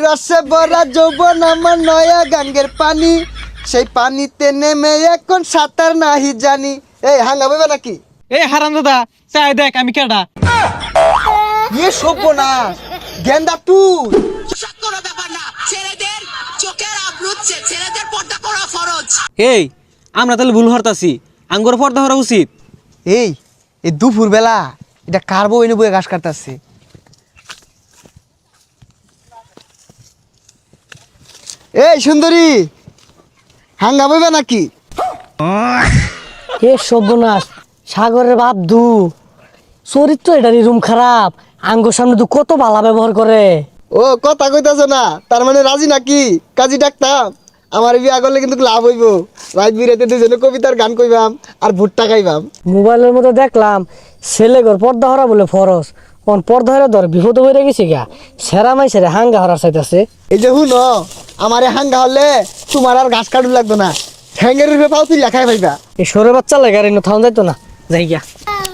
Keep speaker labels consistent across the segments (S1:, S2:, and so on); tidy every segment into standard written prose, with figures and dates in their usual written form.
S1: রসে ভরা যৌবন আমার নয়া গাঙ্গের পানি, সেই পানিতে নেমে এখন সাঁতার নাহি জানি। এই হাঙ্গা বইবে নাকি?
S2: এই হারাম দাদা চাই দেখ আমি কেডা।
S1: ইয়ে সভ্য না গেন্দা তুই।
S3: কোনো ব্যাপার না, ছেলেদের চোখের আবরুচ্ছে, ছেলেদের পর্দা করা ফরজ।
S2: এই আমরা তাহলে ভুল হরতাছি, আঙ্গুর পর্দা হরা উচিত।
S1: এই এই দুপুর বেলা এটা কার বউ এনে বয়ে ঘাস কাটতেছে? এই সুন্দরী হাঙ্গা বইবে নাকি?
S4: এ সর্বনাশ, সাগরের বাপ দু চরিত্র এটারই রুম খারাপ। আঙ্গুর সামনে দু কত বালা ব্যবহার করে।
S1: ও কথা কইতাছ না, তার মানে রাজি নাকি? কাজী ডাকতাম, আমার বিয়া করলে কিন্তু লাভ হইব। রাত বিরাতে দুজনে কবিতার গান কইবাম আর ভুট্টা খাইবাম।
S4: মোবাইলের মধ্যে দেখলাম ছেলে ঘর পর্দা হরা বলে ফরস, কোন পর্দা হরা ধর বিপদ হয়ে গেছে গা, সেরা মাই সেরা হাঙ্গা হরার চাইতেছে।
S1: এই যে হুন আমারে হাঙ্গা হলে তোমার আর ঘাস কাটু লাগতো না, ঠ্যাঙ্গের রূপে পাও তুই লেখাই পাইবা।
S4: এই সরে বাচ্চা লাগে আর থাউন যাইতো না, যাই গিয়া।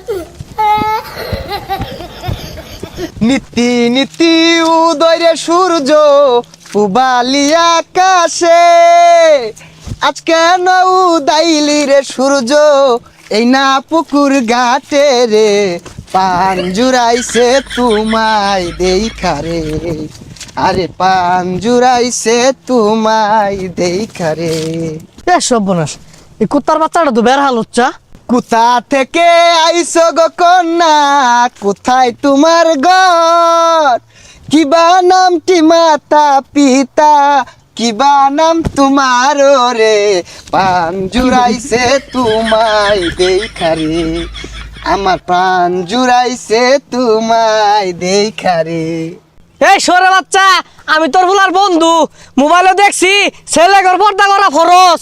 S1: নীতি নীতি উদয় সূর্য পুবালি আকাশে, আজ কেন উদাইলি রে সূর্য এই না পুকুর ঘাটে রে, পান জুড়াইছে তোমায় দেখা রে, আরে পান জুড়াইছে তোমায় দেখা রে।
S4: এ সর্বনাশ, এই কুত্তার বাচ্চাটা তো বের হাল হচ্ছা।
S1: কোথা থেকে আইছো গো কন্যা, কোথায় তোমার ঘর, কিবা নামটি মাতা পিতা, কিবা নাম তোমার রে, পান জুড়াইছে তোমায় দেখা রে, আমার প্রাণ জুড়াইছে তোমায় দেখা রে।
S4: এই সরে বাচ্চা, আমি তোর বুলার বন্ধু, মোবাইলে দেখছি ছেলে ঘর পর্দা করা ফরস।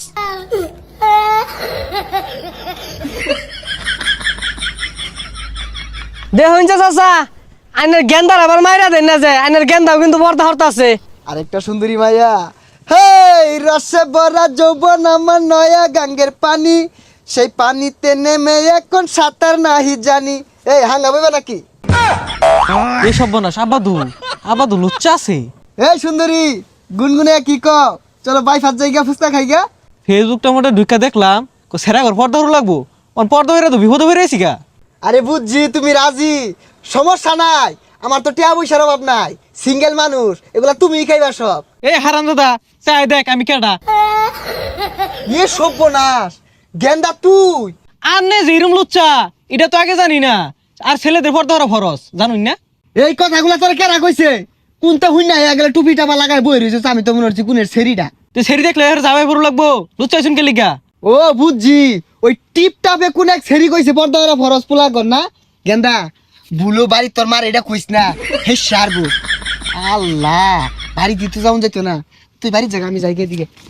S4: দেখুন চাচা, আইনের গেন্দার আবার মাইরা দেন না যায়, আইনের গেন্দাও কিন্তু পর্দা হরতাছে।
S1: আরেকটা সুন্দরী মাইয়া, হেই রসে ভরা যৌবন আমার নয়া গাঙ্গের পানি, সেই পানিতে নেমে এখন সাঁতার নাহি জানি। এই হাঙ্গা বইবে নাকি?
S2: এই সর্বনাশ আবাদু লুচ্চা আছে।
S1: এই সুন্দরী গুনগুনে কি ক, চলো বাই ফাত জায়গা ফুচকা খাইগা।
S2: ফেসবুকটা মোটা ঢুকা দেখলাম সেরা ঘর পর্দা হরু লাগবো, পর্দা হইরা তো বিপদ হয়ে রয়েছি গা।
S1: আরে বুঝছি তুমি রাজি, সমস্যা নাই, আমার তো টিয়া পয়সার অভাব নাই, সিঙ্গেল মানুষ, এগুলা তুমিই খাইবা সব।
S2: এই হারাম দাদা চাই দেখ আমি কেডা।
S1: ইয়ে সর্বনাশ গেন্দা তুই।
S2: আর নে যেরম লুচ্চা এটা তো আগে জানি না, আর ছেলেদের পর্দা হরা ফরস জানুন না।
S1: এই কথাগুলা তোর কেরা কইছে? কোনটা হুই নাই আগলে টুপি টাপা লাগাই বই রয়েছে, আমি তো মনে হচ্ছে কোনের সেরিটা।
S2: তুই সেরি দেখলে যাবাই পড়ু লাগবো, লুচ্চা শুনকে লিগা।
S1: ও বুঝছি, ওই টিপ টাপে কোন এক সেরি কইছে পর্দা করা ফরজ পোলা কর না। গেন্দা ভুলো বাড়ি তোর মার এটা কইস না, হে সারবো। আল্লাহ বাড়ি দিতে যাও যেত না, তুই বাড়ির জায়গা আমি যাই দিকে।